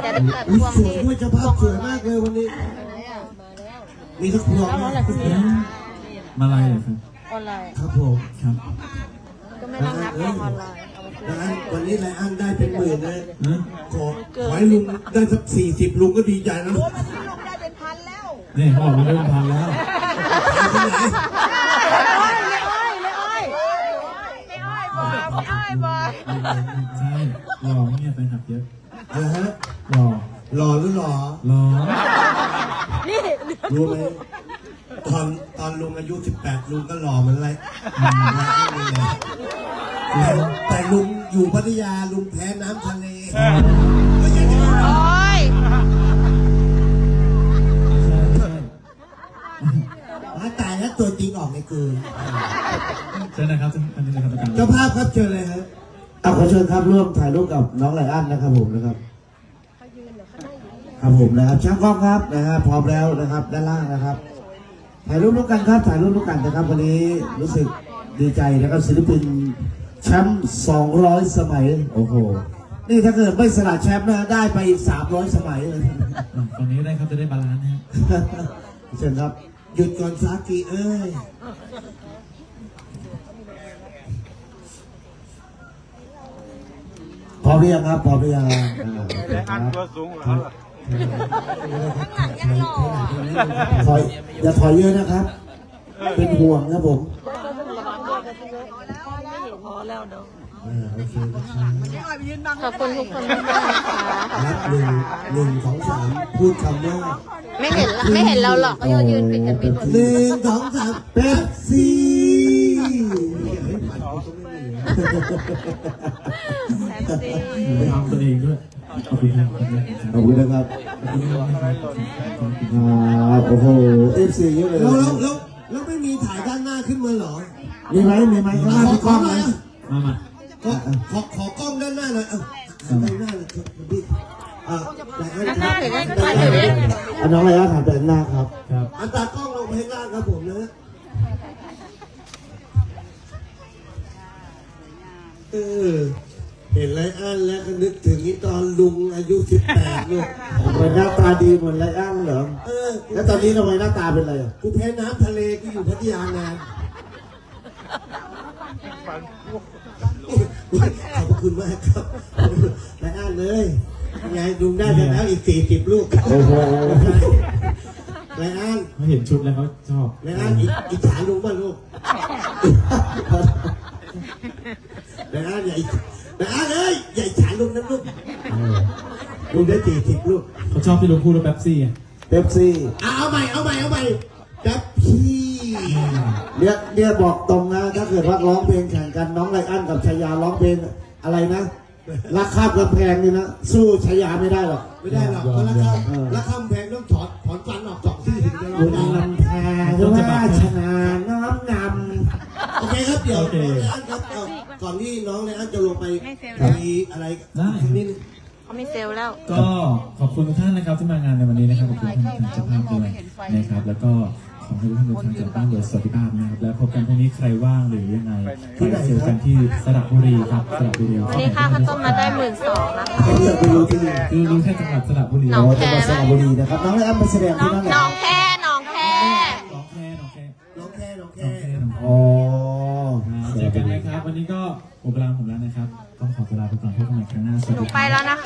แต่พวงสวยที่ด้วยเจ้าภาพสวยมากเลยวันนี้มีทุกพวงนะมาลายเหรอครับออนไลน์ครับผมครับก็ไม่ต้องนับพวงออนไลน์เอามาคืนนะวันนี้ไรอันได้เป็นหมื่นนะนะขอให้ลุงได้สัก40ลุงก็ดีใจแล้วนี่เขาบอกมาเริ่มพันแล้ว ใช่หล่อเนี่ยแฟนคลับเยอะนะฮะหล่อหล่อหรือหล่อหล่อรู้ไหมตอนลุงอายุ18ลุงก็หล่อเหมือนไรแต่ลุงอยู่พัทยาลุงแพ้น้ำทะเลไม่ใช่โอ้ยมาตายแล้วตัวจริงออกในคืนใช่นะครับอันนี้นะครับเจ้าภาพครับเชิญเลยครับขอเชิญครับร่วมถ่ายรูปกับน้องไลอ้อนนะครับผมนะครับครับผมนะครับช่างกล้องครับนะฮะพร้อมแล้วนะครับด้านล่างนะครับถ่ายรูปร่วมกันครับถ่ายรูปร่วมกันนะครับวันนี้รู้สึกดีใจนะครับศิลปินแชมป์200 สมัยโอ้โหนี่ถ้าเกิดไม่สละแชมป์นะได้ไปอีก300 สมัยเลยตอนนี้ได้ครับจะได้บาลานซ์นะเชิญครับหยุดก่อนซากิเอ้ยพร้อมหรือยังครับพร้อมหรือยังอันตัวสูงเหรอถอยอย่าถอยเยอะนะครับเป็นห่วงนะผมพอแล้วเนาะโอเคขอบคุณทุกคนมากนะคะนับหนึ่งสองสามพูดคำว่าไม่เห็นเราหรอกก็ยืนปิดกันปิดหมด 1 2 3เป๊ปซี่ไปทำตัวเองด้วยขอบคุณครับขอบคุณนะครับโอ้โหFC เยอะเลยแล้วไม่มีถ่ายด้านหน้าขึ้นมาเหรอมีไหมข้างหน้ามีกล้องไหมมาขอกล้องด้านหน้าหน่อยด้านหน้าเลยพี่ด้านหน้าหรือด้านหลังหรือน้องอะไรนะถามแต่หน้าครับครับอันตากล้องลงไปข้างล่างครับผมนะเห็นไรอันแล้วก็นึกถึงตอนลุงอายุ18ลูกทำไมหน้าตาดีเหมือนไรอันเหรอแล้วตอนนี้ทำไมหน้าตาเป็นไรอ่ะกูแพ้น้ำทะเลกูอยู่พัทยานานขอบคุณมากครับไรอันเลยไงลุงได้ไปแล้วอีก40ลูกโอ้โหไรอันเขาเห็นชุดแล้วเขาชอบไรอันอิจฉาลุงป่ะลูกไรอันใหญ่แต่เลยใหญ่ฉาลุงนะลูกลุงได้40ลูกเขาชอบที่ลุงพูดว่าเป๊ปซี่เป๊ปซี่เอาใหม่เป๊ปซี่เนี่ยบอกตรงนะถ้าเกิดว่าร้องเพลงแข่งกันน้องไรอันกับชายาร้องเพลงอะไรนะรักข้ามกำแพงนี่นะสู้ชายาไม่ได้หรอกเพราะรักข้ามกำแพงต้องถอนฟันออก2ที่ถึงจะร้องได้ลำแพงว่าชนะน้อมนำโอเคครับเดี๋ยวไรอันครับก่อนที่น้องไรอันจะลงไปมีอะไรนิดนึงเขาไม่เซลแล้วก็ขอบคุณทุกท่านนะครับที่มางานในวันนี้นะครับขอบคุณท่านเจ้าภาพด้วยนะครับแล้วก็ขอให้ทุกท่านเดินทางกลับบ้านโดยสวัสดิภาพนะครับแล้วพบกันพรุ่งนี้ใครว่างหรือยังไงไปเจอกันที่สระบุรีครับสระบุรีวันนี้ค่าข้าวต้มมาได้12,000นะคะคือรู้แค่จังหวัดสระบุรีน้องแคสระบุรีนะครับน้องไรอันมาแสดงที่นั่นแหละน้องแค่อ๋อเจอกันนะครับวันนี้ก็หมดเวลาผมแล้วนะครับต้องขอเวลาไปก่อนพบกันใหม่ครั้งหน้าสวัสดีครับไปแล้วนะคะ